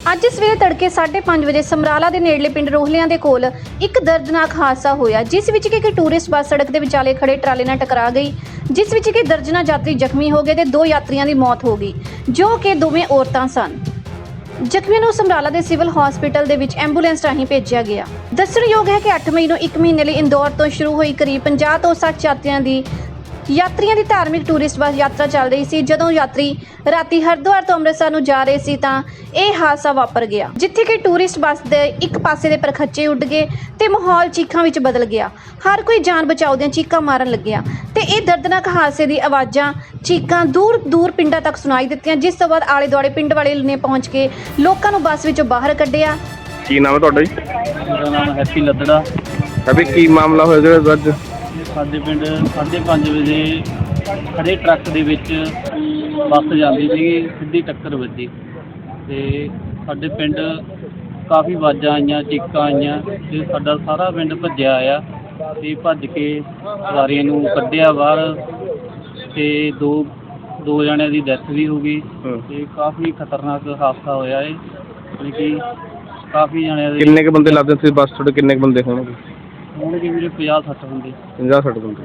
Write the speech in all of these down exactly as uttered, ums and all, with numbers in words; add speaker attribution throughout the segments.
Speaker 1: ਅੱਜ ਸਵੇਰੇ ਤੜਕੇ ਸਾਢੇ ਪੰਜ ਵਜੇ ਸਮਰਾਲਾ ਦੇ ਨੇੜਲੇ ਪਿੰਡ ਰੋਹਲਿਆਂ ਦੇ ਕੋਲ ਇੱਕ ਦਰਦਨਾਕ ਹਾਦਸਾ ਹੋਇਆ, ਜਿਸ ਵਿੱਚ ਕਿ ਇੱਕ ਟੂਰਿਸਟ ਬੱਸ ਸੜਕ ਦੇ ਵਿਚਾਲੇ ਖੜੇ ਟਰਾਲੇ ਨਾਲ ਟਕਰਾ ਗਈ, ਜਿਸ ਵਿੱਚ ਕਿ ਦਰਜਨਾਂ ਯਾਤਰੀ ਜ਼ਖਮੀ ਹੋ ਗਏ ਤੇ ਦੋ ਯਾਤਰੀਆਂ ਦੀ ਮੌਤ ਹੋ ਗਈ, ਜੋ ਕਿ ਦੋਵੇਂ ਔਰਤਾਂ ਸਨ। ਜ਼ਖਮੀਆਂ ਨੂੰ ਸਮਰਾਲਾ ਦੇ ਸਿਵਲ ਹਸਪੀਟਲ ਦੇ ਵਿੱਚ ਐਂਬੂਲੈਂਸ ਰਾਹੀਂ ਭੇਜਿਆ ਗਿਆ। ਦੱਸਣਯੋਗ ਹੈ ਕਿ ਅੱਠ ਮਈ ਨੂੰ ਇੱਕ ਮਹੀਨੇ ਲਈ ਇੰਦੌਰ ਤੋਂ ਸ਼ੁਰੂ ਹੋਈ ਕਰੀਬ ਪੰਜਾਹ ਤੋਂ ਸੱਠ ਯਾਤਰੀਆਂ ਦੀ ਯਾਤਰੀਆਂ ਦੀ ਧਾਰਮਿਕ ਟੂਰਿਸਟ ਬੱਸ ਯਾਤਰਾ ਚੱਲ ਰਹੀ ਸੀ। ਜਦੋਂ ਯਾਤਰੀ ਰਾਤੀ ਹਰਿਦੁਆਰ ਤੋਂ ਅੰਮ੍ਰਿਤਸਰ ਨੂੰ ਜਾ ਰਹੇ ਸੀ ਤਾਂ ਇਹ ਹਾਦਸਾ ਵਾਪਰ ਗਿਆ, ਜਿੱਥੇ ਕਿ ਟੂਰਿਸਟ ਬੱਸ ਦੇ ਇੱਕ ਪਾਸੇ ਦੇ ਪਰਖੱਚੇ ਉੱਡ ਗਏ ਤੇ ਮਾਹੌਲ ਚੀਖਾਂ ਵਿੱਚ ਬਦਲ ਗਿਆ। ਹਰ ਕੋਈ ਜਾਨ ਬਚਾਓ ਦੀਆਂ ਚੀਖਾਂ ਮਾਰਨ ਲੱਗਿਆ ਤੇ ਇਹ ਦਰਦਨਾਕ ਹਾਦਸੇ ਦੀ ਆਵਾਜ਼ਾਂ ਚੀਖਾਂ ਦੂਰ ਦੂਰ ਪਿੰਡਾਂ ਤੱਕ ਸੁਣਾਈ ਦਿੱਤੀਆਂ, ਜਿਸ ਤੋਂ ਬਾਅਦ ਆਲੇ ਦੁਆਲੇ ਪਿੰਡ ਵਾਲੇ ਨੇ ਪਹੁੰਚ ਕੇ ਲੋਕਾਂ ਨੂੰ ਬੱਸ ਵਿੱਚੋਂ ਬਾਹਰ ਕੱਢਿਆ।
Speaker 2: ਕੀ ਨਾਮ ਹੈ ਤੁਹਾਡਾ ਜੀ?
Speaker 3: ਮੇਰਾ ਨਾਮ ਹੈਪੀ ਲੱਦੜਾ।
Speaker 2: ਅਭੀ ਕੀ ਮਾਮਲਾ ਹੋਇਆ ਜਿਹੜਾ ਅੱਜ
Speaker 3: ਸਾਡੇ ਪਿੰਡ ਸਾਢੇ ਪੰਜ ਵਜੇ ਖੜੇ ਟਰੱਕ ਦੇ ਵਿੱਚ ਬੱਸ ਜਾਂਦੀ ਸੀਗੀ, ਸਿੱਧੀ ਟੱਕਰ ਵੱਜੀ ਤੇ ਸਾਡੇ ਪਿੰਡ ਕਾਫੀ ਆਵਾਜ਼ਾਂ ਆਈਆਂ, ਚੀਕਾਂ ਆਈਆਂ ਤੇ ਸਾਡਾ ਸਾਰਾ ਪਿੰਡ ਭੱਜਿਆ ਆਇਆ ਤੇ ਭੱਜ ਕੇ ਸਵਾਰੀਆਂ ਨੂੰ ਕੱਢਿਆ ਬਾਹਰ ਤੇ ਦੋ ਦੋ ਜਣਿਆਂ ਦੀ ਡੈਥ ਵੀ ਹੋ ਗਈ ਤੇ ਕਾਫੀ ਖਤਰਨਾਕ ਹਾਦਸਾ ਹੋਇਆ ਹੈ। ਯਾਨੀ ਕਿ ਕਾਫੀ ਜਣਿਆਂ ਦੇ
Speaker 2: ਕਿੰਨੇ ਕੁ ਬੰਦੇ ਲੱਗਦੇ ਸੀ ਬੱਸ ਤੁਹਾਡੇ? ਕਿੰਨੇ ਕੁ ਬੰਦੇ ਹੋਣਗੇ?
Speaker 3: ਹੋਣਗੇ ਵੀਰੇ ਪੰਜਾਹ ਸੱਠ ਬੰਦੇ।
Speaker 2: ਪੰਜਾਹ ਸੱਠ ਬੰਦੇ।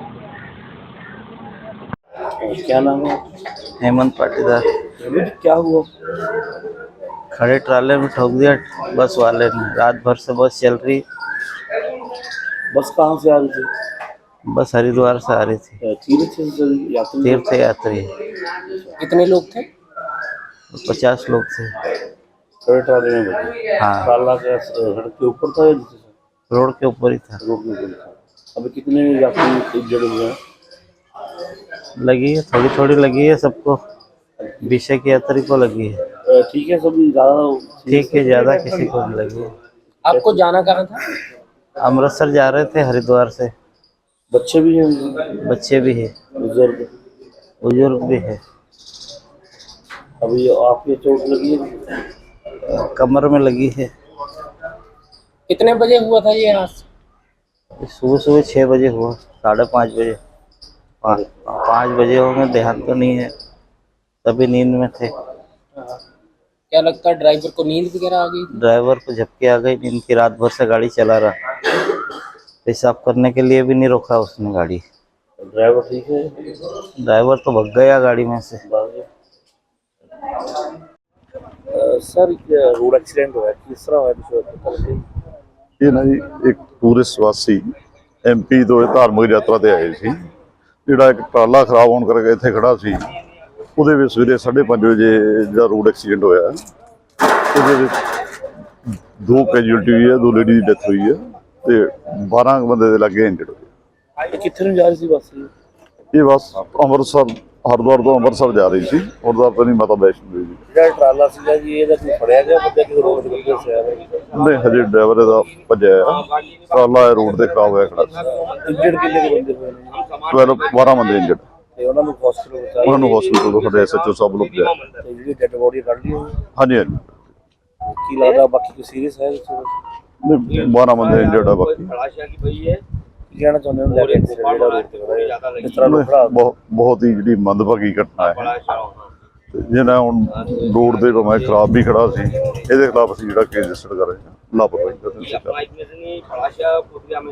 Speaker 3: क्या नाम है?
Speaker 4: हेमंत पाटीदार।
Speaker 3: क्या हुआ?
Speaker 4: खड़े ट्राले में ठोक दिया बस वाले ने। रात भर से बस चल रही।
Speaker 3: बस कहाँ से आ रही थी?
Speaker 4: बस हरिद्वार से आ रही थी।
Speaker 3: तीर्थ यात्री
Speaker 4: तीर्थ यात्री।
Speaker 3: कितने लोग थे?
Speaker 4: पचास लोग थे।
Speaker 3: खड़े ट्राले में बैठे?
Speaker 4: हाँ,
Speaker 3: ट्राला क्या सड़क के ऊपर था या नीचे था?
Speaker 4: रोड के ऊपर ही था।
Speaker 3: रोड के ऊपर था। अभी कितने यात्री इंजर्ड हुए हैं?
Speaker 4: लगी है, थोड़ी थोड़ी लगी है सबको। विषय की यात्री को लगी है।
Speaker 3: ठीक है, सब ज्यादा
Speaker 4: ठीक है, ज्यादा किसी को नहीं लगी है।
Speaker 3: आपको जाना कहाँ था?
Speaker 4: अमृतसर जा रहे थे हरिद्वार से।
Speaker 3: बच्चे भी हैं?
Speaker 4: बच्चे भी है,
Speaker 3: बुजुर्ग
Speaker 4: बुजुर्ग भी है।
Speaker 3: अभी आपके चोट लगी है?
Speaker 4: कमर में लगी है।
Speaker 3: कितने बजे हुआ था ये हादसा?
Speaker 4: सुबह सुबह छः बजे हुआ, साढ़े पाँच बजे पाँच पाँच बजे होंगे, ध्यान तो नहीं है, तभी नींद में थे।
Speaker 3: क्या लगता है ड्राइवर को नींद वगैरह आ गई?
Speaker 4: ड्राइवर को झपकी आ गई नींद की। रात भर से गाड़ी चला रहा, पेशाब करने के लिए भी नहीं रोका उसने गाड़ी।
Speaker 3: ड्राइवर ठीक है?
Speaker 4: ड्राइवर तो भग गया गाड़ी में से।
Speaker 3: सर रोड एक्सीडेंट हुआ किस तरह हुआ?
Speaker 5: ਇਹ ਨਾ ਜੀ ਇੱਕ ਟੂਰਿਸਟ ਵਾਸੀ ਐਮਪੀ ਤੋਂ ਇਹ ਧਾਰਮਿਕ ਯਾਤਰਾ ਤੇ ਆਏ ਸੀ। ਜਿਹੜਾ ਇੱਕ ਟਰਾਲਾ ਖਰਾਬ ਹੋਣ ਕਰਕੇ ਇੱਥੇ ਖੜਾ ਸੀ, ਉਹਦੇ ਵਿੱਚ ਸਵੇਰੇ ਸਾਢੇ ਪੰਜ ਵਜੇ ਜਿਹੜਾ ਰੋਡ ਐਕਸੀਡੈਂਟ ਹੋਇਆ, ਉਹਦੇ ਵਿੱਚ ਦੋ ਕੈਜੂਅਲਟੀ ਹੋਈ ਹੈ, ਦੋ ਲੇਡੀ ਦੀ ਡੈਥ ਹੋਈ ਹੈ ਤੇ ਬਾਰਾਂ ਬੰਦੇ ਦੇ ਲੱਗੇ ਇੰਜਰਡ ਹੋਏ।
Speaker 3: ਕਿੱਥੇ ਨੂੰ ਜਾ ਰਹੀ ਸੀ ਬੱਸ?
Speaker 5: ਇਹ ਬੱਸ ਅੰਮ੍ਰਿਤਸਰ ਹਰਿਦੁਆਰ ਤੋਂ ਅੰਮ੍ਰਿਤਸਰ ਜਾ ਰਹੀ ਸੀ। ਹਰਿਦੁਆਰ ਤੋਂ ਨਹੀਂ, ਮਾਤਾ ਵੈਸ਼ਨੋ ਦੇਵੀ ਜੀ।
Speaker 3: ਜਿਹੜਾ ਟਰਾਲਾ ਸੀਗਾ ਜੀ, ਇਹਦਾ ਕੋਈ ਫੜਿਆ ਗਿਆ ਬੰਦਾ ਕਿ ਰੋਡ ਤੇ ਕਿੱਥੇ ਸਿਆ ਹੈ?
Speaker 5: ਨਹੀਂ, ਹਜੇ ਡਰਾਈਵਰ ਇਹਦਾ ਭੱਜਿਆ ਆ। ਟਰਾਲਾ ਰੋਡ ਤੇ ਖਰਾਬ ਹੋਇਆ ਖੜਾ ਸੀ।
Speaker 3: ਇੰਜਰਡ ਕਿੰਨੇ ਕੁ ਬੰਦੇ ਹੋਏ ਨੇ?
Speaker 5: ਬਾਰਾਂ ਬਾਰਾਂ ਬੰਦੇ ਇੰਜਰਡ।
Speaker 3: ਤੇ ਉਹਨਾਂ ਨੂੰ ਹਸਪੀਟਲ ਪਹੁੰਚਾਇਆ?
Speaker 5: ਉਹਨਾਂ ਨੂੰ ਹਸਪੀਟਲ ਤੋਂ ਸਾਡੇ ਐਸਐਚਓ ਸਾਹਿਬ ਲੋਕ ਗਿਆ।
Speaker 3: ਤੇ ਜਿਹੜੀ ਡੈਡ ਬੋਡੀ ਕੱਢ ਲਈ ਹੋਈ?
Speaker 5: ਹਾਂਜੀ ਹਾਂਜੀ।
Speaker 3: ਕੀ ਲੱਗਦਾ ਬਾਕੀ ਕੋਈ ਸੀਰੀਅਸ ਹੈ?
Speaker 5: ਨਹੀਂ, ਬਾਰਾਂ ਬੰਦੇ ਇੰਜਰਡ ਆ ਬਾਕੀ।
Speaker 3: ਕੀ ਕਹਿਣਾ ਚਾਹੁੰਦੇ ਹੋ ਲੈ ਕੇ ਐਕਸੀਡੈਂਟ ਜਿਹੜਾ ਰੋਡ ਤੇ ਹੋਇਆ ਇਸ ਤਰ੍ਹਾਂ ਨੂੰ ਖੜਾ?
Speaker 5: ਬਹੁਤ ਬਹੁਤ ਹੀ ਜਿਹੜੀ ਮੰਦਭਾਗੀ ਘਟਨਾ ਹੈ। ਜਿਹਨਾਂ ਹੁਣ ਰੋਡ ਦੇ ਮੈਂ ਖਰਾਬ ਵੀ ਖੜਾ ਸੀ, ਇਹਦੇ ਖਿਲਾਫ ਅਸੀਂ ਜਿਹੜਾ ਕੇਸ ਰਜਿਸਟਰ ਕਰ ਰਹੇ ਹਾਂ ਲਾਪਰਵਾਹੀ ਦਾ।